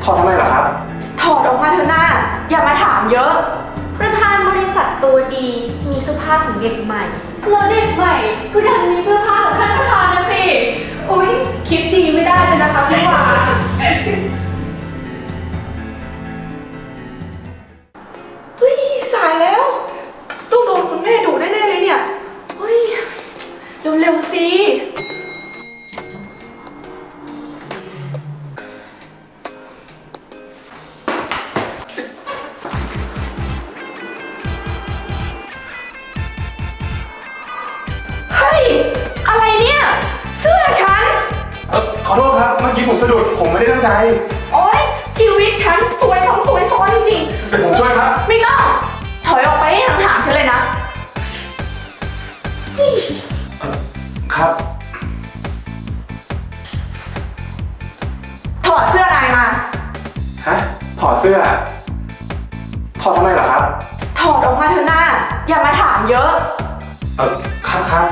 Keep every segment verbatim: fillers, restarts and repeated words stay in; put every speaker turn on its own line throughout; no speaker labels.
ถอดทำไมเหรอครับ
ถอดออกมาเถอะหน้าอย่ามาถามเยอะ
ประธานบริษัทตัวดีมีเสื้อผ้าของเด็กใหม่แล้วเด็กใหม่ก็ดันมีเสื้อผ้าของท่านประธานนะสิอุ๊ยคิดดีไม่ได้เลยนะคะพี่วา
เฮ้ยสายแล้วต้องโดนคุณแม่ดุแน่ๆเลยเนี่ยเฮ้ยเร็วๆสิอะไรเนี่ยเสื้อฉัน
เออขอโทษครับเมื่อกี้ผมสะดุดผมไม่ได้ตั้งใจ
โอ๊ยชีวิตฉันสวยสองสวยซ้อนจริง
ๆเดี๋ยวผมช่วยครับ
ไม่ต้องถอยออกไปให้ห่างๆฉันเลยนะ
ครับ
ถอดเสื้อนายมา
ฮะถอดเสื้อถอดทำไมเหรอครับ
ถอดออกมาเถอะหน้าอย่ามาถามเยอะ
เออครับครับ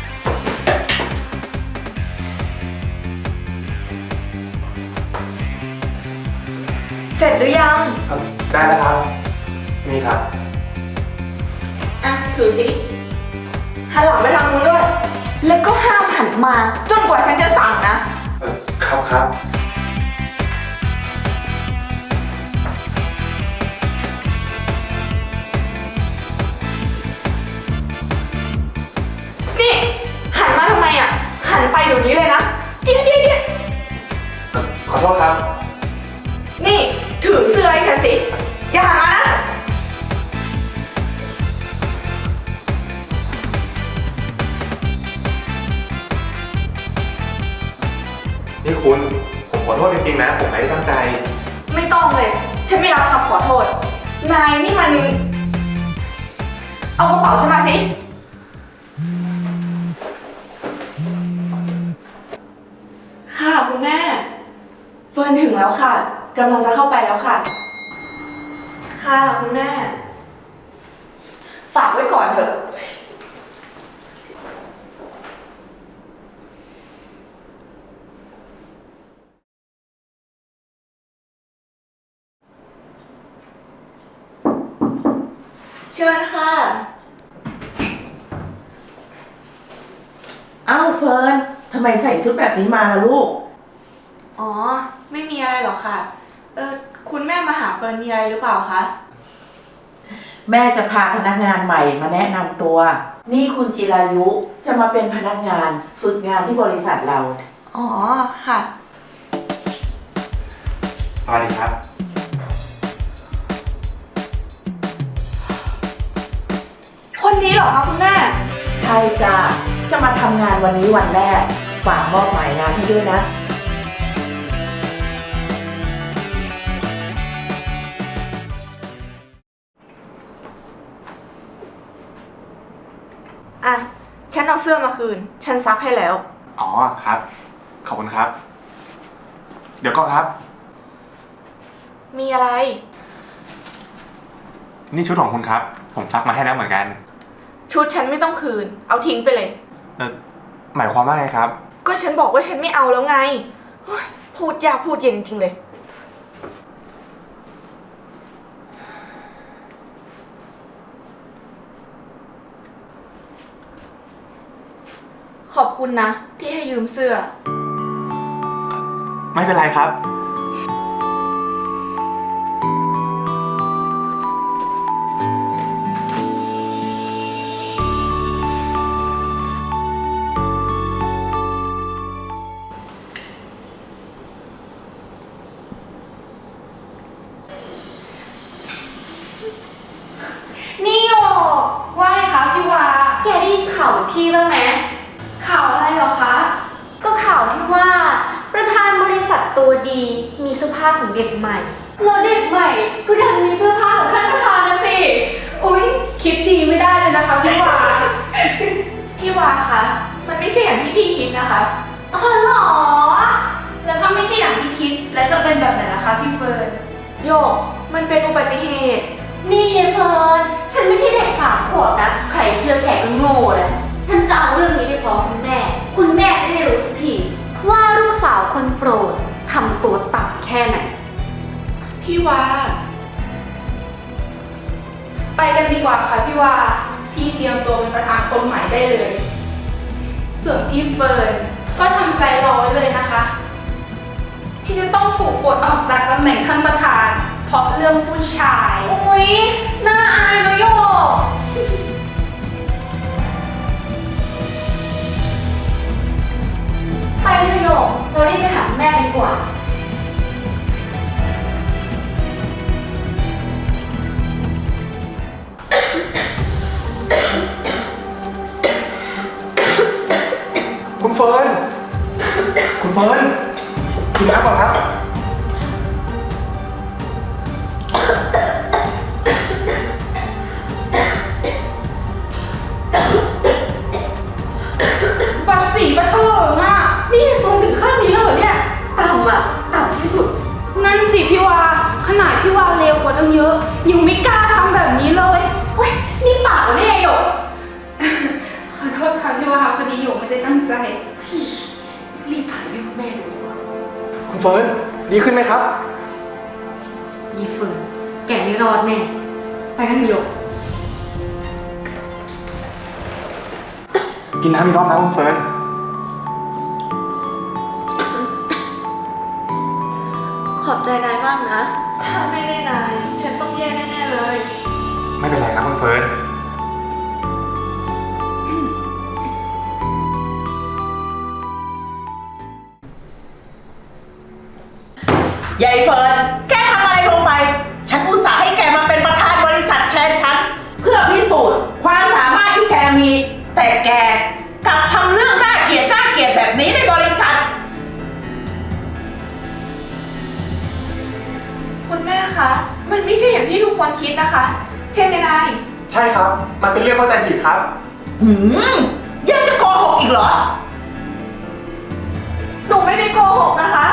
เสร็จหรือยัง
ได้แล้วครับนี่ครับ
อ่ะถือสิหันหลังไปทางนู้นด้วยแล้วก็ห้ามหันมาจนกว่าฉันจะสั่งนะ
เออครับครับ
นี่หันมาทำไมอ่ะหันไปเดี๋ยวนี้เลยนะเดี๋ยวเดี๋ยวเดี๋ยว
ขอโทษครับ
นี่ถือเสื้อให้ฉันสิอย่าหันมานะ
นี่คุณผมขอโทษจริงๆนะผมไม่ได้ตั้งใจ
ไม่ต้องเลยฉันไม่รับคำขอโทษนายนี่มันเอากระเป๋าฉันมาสิค่ะคุณแม่เฟิร์นถึงแล้วค่ะกำลังจะเข้าไปแล้วค่ะค่ะคุณแม่ฝากไว้ก่อนเถอะเชิญค่ะ
อ้าวเฟิร์นทำไมใส่ชุดแบบนี้มาล่ะลูก
อ๋อไม่มีอะไรหรอกค่ะเออคุณแม่มาหาเฟิร์นมีอะไรหรือเปล่าคะ
แม่จะพาพนักงานใหม่มาแนะนำตัวนี่คุณจิรายุจะมาเป็นพนักงานฝึกงานที่บริษัทเรา
อ๋อค่ะ
สวัสดีครับ
คนนี้เหรอคะคุณแม่
ใช่จ้าจะมาทำงานวันนี้วันแรกฝากมอบหมายงานให้ด้วยนะ
อ่ะฉันเอาเสื้อมาคืนฉันซักให้แล้ว
อ๋อครับขอบคุณครับเดี๋ยวก่อนครับ
มีอะไร
นี่ชุดของคุณครับผมซักมาให้แล้วเหมือนกัน
ชุดฉันไม่ต้องคืนเอาทิ้งไปเลย
เออหมายความว่าไงครับ
ก็ฉันบอกว่าฉันไม่เอาแล้วไงพูดยากพูดเย็นจริงเลยขอบคุณนะที่ให้ยืมเสื้อ
ไม่เป็นไรครับ
นี่โยว่าไงคะพี่วาแกได้ยินข่าวพี่บ้างไหมข่าวอะไรเหรอคะก็ข่าวที่ว่าประธานบริษัทตัวดีมีเสื้อผ้าของเด็กใหม่แล้วเด็กใหม่ก็ดันมีเสื้อผ้าของท่านประธานนะสิอุ๊ยคิดดีไม่ได้เลยนะคะพี่วา
พี่วาคะมันไม่ใช่อย่างที่พี่คิดนะคะ
อ๋อเหรอแล้วถ้าไม่ใช่อย่างที่คิดแล้วจะเป็นแบบไหนล่ะคะพี่เฟิร์น
โยกมันเป็นอุบัติเหตุ
นี่ยายเฟิร์นฉันไม่ใช่เด็กสามขวบนะใครเชื่อแกก็โง่เลยฉันจะเอาเรื่องนี้ไปฟ้องคุณแม่คุณแม่จะได้รู้สักทีว่าลูกสาวคนโปรดทำตัวต่ำแค่ไหน
พี่วา
ไปกันดีกว่าค่ะพี่วา พี่เตรียมตัวเป็นประธานคนใหม่ได้เลย ส่วนพี่เฟิร์นก็ทำใจรอไว้เลยนะคะ ที่จะต้องถูกปลดออกจากตำแหน่งท่านประธาน เพราะเรื่องผู้ชาย อุ๊ย น่าอายนะโยก ไปเถอะโยกเรารีบไปหาแม่ดีกว่า
คุณเฟิร์น คุณเฟิร์น กินน้ำก่อนครับ
บัตรสีบัตรเถลิงอ่ะ นี่เฟิร์นถึงขั้นนี้แล้วเหรอเนี่ย ต่ำอ่ะ ต่ำที่สุด นั่นสิพี่วา ขนาดพี่วาเลวกว่าตั้งเยอะ ยังไม่กล้าทำแบบนี้เลยเฮ้ย นี่ปากเหรอเนี่ยหยก ขอโทษค่ะพี่วาพอดีหยกไม่ได้ตั้งใจ รีบถ่ายให้พ่อแม่ดูดีกว่า
คุณเฟิร์น ดีขึ้นไหมครับ
ยีเฟิร์นแกไม่รอดแน่ ไปกันเถอะหยก
กินน้ำอีกรอบนะคุณเฟิร์น
ขอบใจนายมากนะ ถ้าไม่ได้นาย ฉันต้องแย่แน่ๆเลย
ไม่เป็นไรนะคุณเฟิร์น
ยายเฟิร์น แกทำอะไรลงไป ฉันอุตส่าห์ให้แกมาเป็นประธานบริษัทแทนฉัน เพื่อพิสูจน์ความสามารถที่แกมี แต่แกกลับทำเรื่องน่าเกลียดน่าเกลียดแบบนี้ในบริษัท
คุณแม่คะ มันไม่ใช่อย่างที่ทุกคนคิดนะคะ ใช่ไหมนาย
ใช่ครับ มันเป็นเรื่องเข้าใจผิดครับ
หืมยังจะโกหกอีกเหรอ
หนูไม่ได้โกหกนะคะ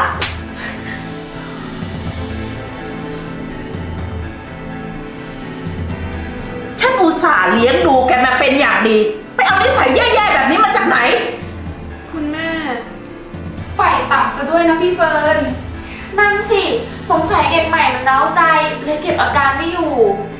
ฉันอุตส่าห์เลี้ยงดูแกมาเป็นอย่างดี ไปเอานิสัยแย่ๆแบบนี้มาจากไหน
คุณแม่
ฝ่ายต่ำซะด้วยนะพี่เฟิร์น นั่นสิ สงสัยเด็กใหม่มันเล้าใจเลยเก็บอาการไม่อยู่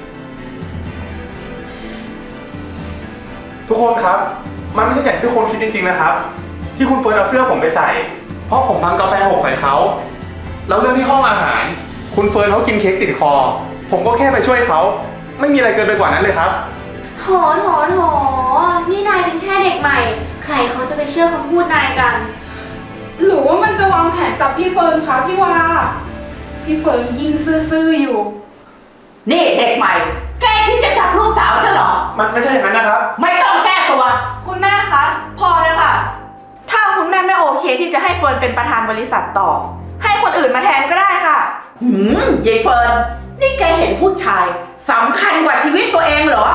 ทุกคนครับ มันไม่ใช่อย่างที่ทุกคนคิดจริงๆนะครับ ที่คุณเฟิร์นเอาเสื้อผมไปใส่ เพราะผมทำกาแฟหกใส่เขา แล้วเรื่องที่ห้องอาหาร คุณเฟิร์นเขากินเค้กติดคอ ผมก็แค่ไปช่วยเขา ไม่มีอะไรเกินไปกว่านั้นเลยครับ
โถโถโถนี่นายเป็นแค่เด็กใหม่ ใครเขาจะไปเชื่อคำพูดนายกัน หรือว่ามันจะวางแผนจับพี่เฟิร์นคะพี่วา พี่เฟิร์นยิ่งซื่อๆอยู่
นี่เด็กใหม่ แกคิดจะจับลูกสาวฉันเหรอ
มันไม่ใช่อย่างนั้นนะครับ
ไม่ต้องแก้ตัว
คุณแม่คะ พอเลยค่ะ ถ้าคุณแม่ไม่โอเคที่จะให้เฟิร์นเป็นประธานบริษัทต่อ ให้คนอื่นมาแทนก็ได้ค่ะ
หืมยายเฟิร์น นี่แกเห็นผู้ชายสำคัญกว่าชีวิตตัวเองเหรอ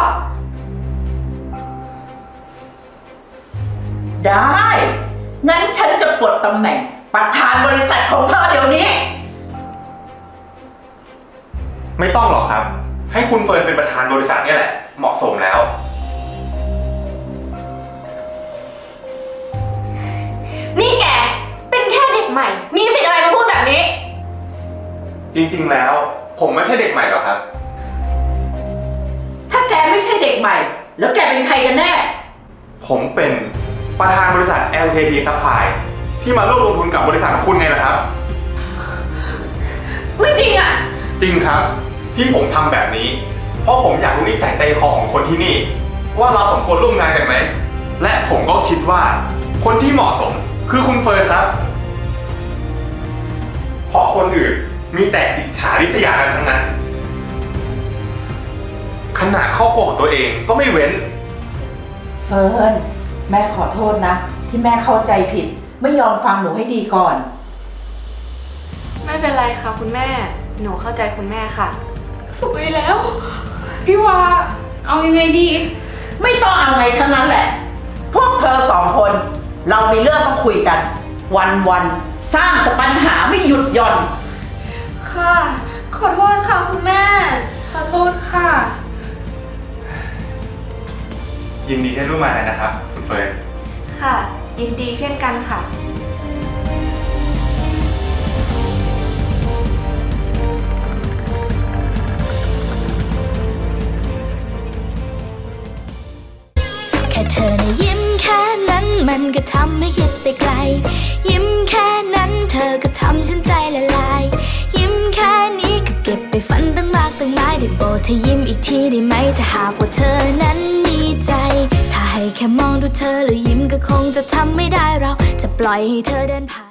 ได้ งั้นฉันจะปลดตำแหน่งประธานบริษัทของเธอเดี๋ยวนี้
ไม่ต้องหรอกครับ ให้คุณเฟิร์นเป็นประธานบริษัทเนี่ยแหละ เหมาะสมแล้ว
นี่แก เป็นแค่เด็กใหม่ มีสิทธิ์อะไรมาพูดแบบนี้
จริงๆแล้ว ผมไม่ใช่เด็กใหม่หรอกครับ
ถ้าแกไม่ใช่เด็กใหม่ แล้วแกเป็นใครกันแน่
ผมเป็นประธานบริษัท แอล เค ที Supply ที่มาร่วมลงทุนกับบริษัทของคุณไงล่ะครับ
ไม่จริงอ่ะ
จริงครับ ที่ผมทำแบบนี้ เพราะผมอยากรู้นิสัยใจคอของคนที่นี่ ว่าเราสมควรร่วมงานกันไหม และผมก็คิดว่าคนที่เหมาะสมคือคุณเฟิร์นครับ เพราะคนอื่นมีแต่อิจฉาริษยากันทั้งนั้น ขนาดครอบครัวของตัวเองก็ไม่เว้น
เฟิร์น แม่ขอโทษนะ ที่แม่เข้าใจผิด ไม่ยอมฟังหนูให้ดีก่อน
ไม่เป็นไรค่ะคุณแม่ หนูเข้าใจคุณแม่ค่ะ
สวยแล้ว พี่วา เอายังไงดี
ไม่ต้องเอาไงทั้งนั้นแหละ พวกเธอสองคน เรามีเรื่องต้องคุยกัน วันวันๆสร้างแต่ปัญหาไม่หยุดหย่อน
ค่ะ ขอโทษค่ะคุณแม่ ขอโทษค่ะ
ยินดีที่ร่วมงานนะครับ คุณเฟิร์น
ค่ะ ยินดีเช่นกันค่ะ
ค่เธอนะยิ้มแค่นั้นมันก็ทำให้คิดไปไกล ยิ้มแค่นั้นเธอก็ทำฉันใจละลาย ยิ้มแค่นี้ก็เก็บไปฝันตั้งมากตั้งหลายได้โปรดเธอยิ้มอีกทีได้ไหมถ้าหากว่าเธอนั้นมีใจ ถ้าให้แค่มองดูเธอแล้วยิ้มก็คงจะทำไม่ได้เราจะปล่อยให้เธอเดินผ่าน